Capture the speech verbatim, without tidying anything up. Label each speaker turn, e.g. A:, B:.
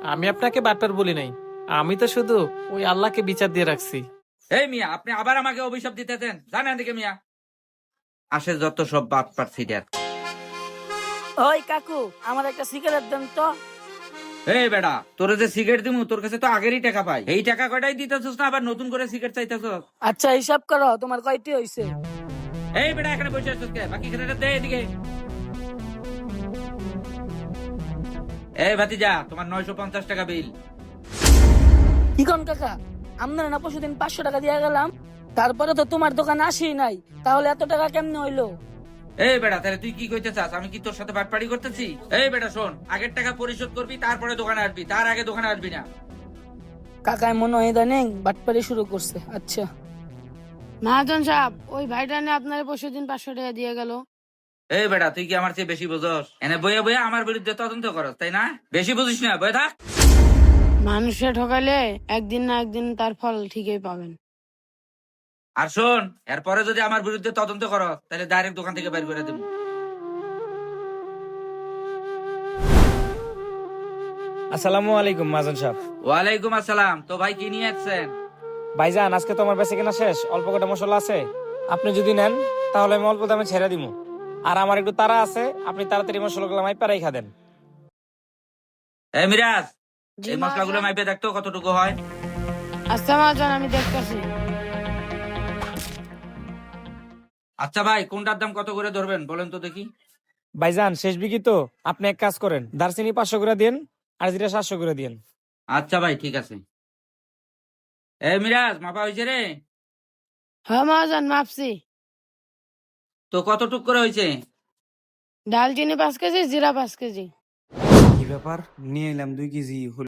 A: আমি আপনাকে বাটপার বলি নাই, আমি তো শুধু ওই আল্লাহকে বিচার দিয়ে রাখছি।
B: এই মিয়া, আপনি আবার আমাকে অভিশাপ দিতেছেন? জানেন দিকে মিয়া, আসে যত সব বাপ পারছিটার।
C: ওই কাকু, আমার একটা সিগারেট দেন তো।
B: এই বেটা, তোরে যে সিগারেট দিমু তোর কাছে তো আগেরই টাকা পাই, এই টাকা কয়টাই দিতেছস না আবার নতুন করে সিগারেট চাইতেছস?
C: আচ্ছা হিসাব করো, তোমার কয়টি হইছে?
B: এই বেটা, এখানে বসে আছিস কে? বাকি খেলাটা দে এদিকে। এই ভাতিজা, তোমার নয়শো পঞ্চাশ টাকা বিল।
C: কি কোন কাকা, আপনার না পরশু দিন পাঁচশো টাকা দিয়ে গেলাম, তারপরে তো তোমার দোকানে আসি নাই, তাহলে এত টাকা কেমনে হইলো?
B: এই বেটা, তাহলে তুই কি কইতে চাস? আমি কি তোর সাথে বাটপাড়ি করতেছি? এই বেটা শোন, আগের টাকা পরিশোধ করবি, তারপরে দোকানে আসবি, তার আগে দোকানে আসবি না।
C: কাকায় মনে হয় ইদানিং বাটপারি শুরু করছে। আচ্ছা
D: মহাজন সাহেব, ওই ভাইটা নিয়ে আপনার পরশু দিন পাঁচশো টাকা দিয়ে গেল।
B: এই বেটা, তুই কি আমার চেয়ে বেশি বুঝস? এনে বইয়া বইয়া আমার বিরুদ্ধে তদন্ত করস, তাই না? বেশি বুঝিস না, বয়ে থাক।
D: মানুষে ঠকাইলে একদিন না একদিন তার ফল ঠিকই পাবেন।
B: আর শোন, এরপরে যদি আমার বিরুদ্ধে তদন্ত করো তাহলে ডাইরেক্ট দোকান থেকে বের করে দেবো।
E: আসসালামু আলাইকুম মাজন সাহেব।
B: ওয়ালাইকুম আসসালাম। তো ভাই কি নিয়ে আসছেন?
E: ভাইজান, আজকে তো আমার বেঁচে কেনা শেষ, অল্প কটা মশলা আছে, আপনি যদি নেন তাহলে আমি অল্প দামে ছেড়ে দিব। আর আমার একটু তাড়া আছে, আপনি তাড়াতাড়ি মশলাগুলো মাই পারাই খাদেন।
B: এই মিরাজ,
D: জি
B: এই
D: মহাজন।
B: মশলাগুলো মাইপে দেখতো কতটুকু হয়।
D: আচ্ছা মহাজন, আমি দেখতেছি।
B: আচ্ছা ভাই, কোনটার দাম কত করে ধরবেন বলেন তো দেখি।
E: ভাইজান শেষ বিকি তো, আপনি এক কাজ করেন, দারচিনি পাঁচশো করে দিন আর জিরা সাতশো করে দিন।
B: আচ্ছা ভাই, ঠিক আছে। এই মিরাজ, মাপা হয়েছে রে?
D: হ্যাঁ মহাজন, মাপছি।
B: তো কতটুক করে হয়েছে?
D: ডালচিনি পাঁচ কেজি, জিরা পাঁচ কেজি।
F: কি ব্যাপার, নিয়ে এলাম দুই কেজি।